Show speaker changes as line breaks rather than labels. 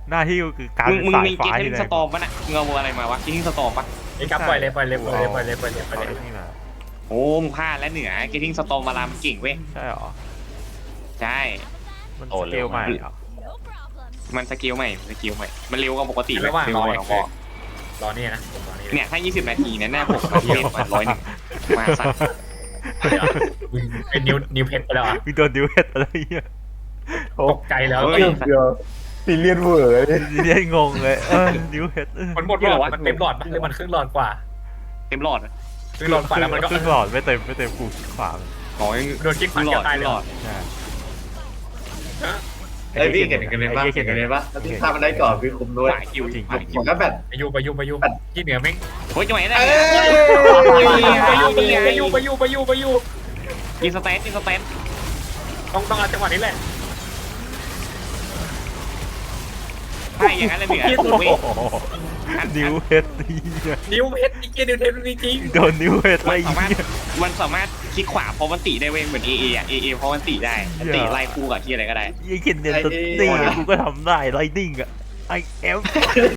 หน้าที่ก็คือการ
มึง
สาย
มีเก
ฟ้า
ท
ที่
ติ้ง
ไหน
สตอมปะน่ะเงาอะไรมาวะเกทติ้งสตอมปะ
ไอ้กับปล่อยเลยปล่อยเลยปล่อยเลยปล่อยเลยปล่อยเลยปล่อยเลย
นี่มา
โอ้มึงพลาดแล้วเหนือเกทติ้งสตอมมาลามเก่งเว้ย
ใช่หรอ
ใช่
มันสเกลใหม่เหรอ
มันสกิลใหม่มันเร็วกว่าปกติ
ระหว่างรอ
เร็
เนี่
วย กว่า
รอนี่นะผมรอนี่
เนี่ยถ้า20 นาทีเนี่ยหน้าผมก็เปลี่ยนมา101มาสัตว์
เป็นนิวเพชรไปแล้วอ่ะ
มีโดนดิวเฮดอะไรเงี้ย
ตกใจแล้ว
เฮ้ย
เดียวซีเรียสเวอร์เลย
เรียกงงเลยดิวเฮด
มันหมดหลอดมันเต็มหลอดปะหรือมันครึ่งหลอดกว่า
เต็มหลอด
ครึ่งหลอดกว่าแล้วมันก็
ครึ่งหลอดไม่เต็มกูขวา
ขอยัง
โดนคิกขวา
หล
เกี่
อด
ยวตายเลย
หลอด
ใช่
ไอ้พี่เห็นกันเลยปะเห็นกันเลยปะถ้าพี่ฆ่ามันได้ก่อนพี่คุมด้วย
สายคิวจริง
ผมก็แบบ
ไปยูที่เหนือแม่ง
เฮ้ยจังหวะนี้ได้
ไปยู
ยิงสเตน
ต้องเอาจังหวะนี้แหละ
ใช่อย่างนั้นเลยเหนือ
ดิวเฮดนี่
นิวเพชรอีกนิวเพชรจริง
โดนดิวเฮดอะไร
มันสามารถคลิกขวาเพราะมันตีได้เว้ยเหมือนเออะเอเพราะมันตีได้ตีไล่คู่กับที่อะไรก็ได้
ยี่เขียนเนียนตัวนี่กูก็ทำได้ไลนิ่งอะไอเอฟ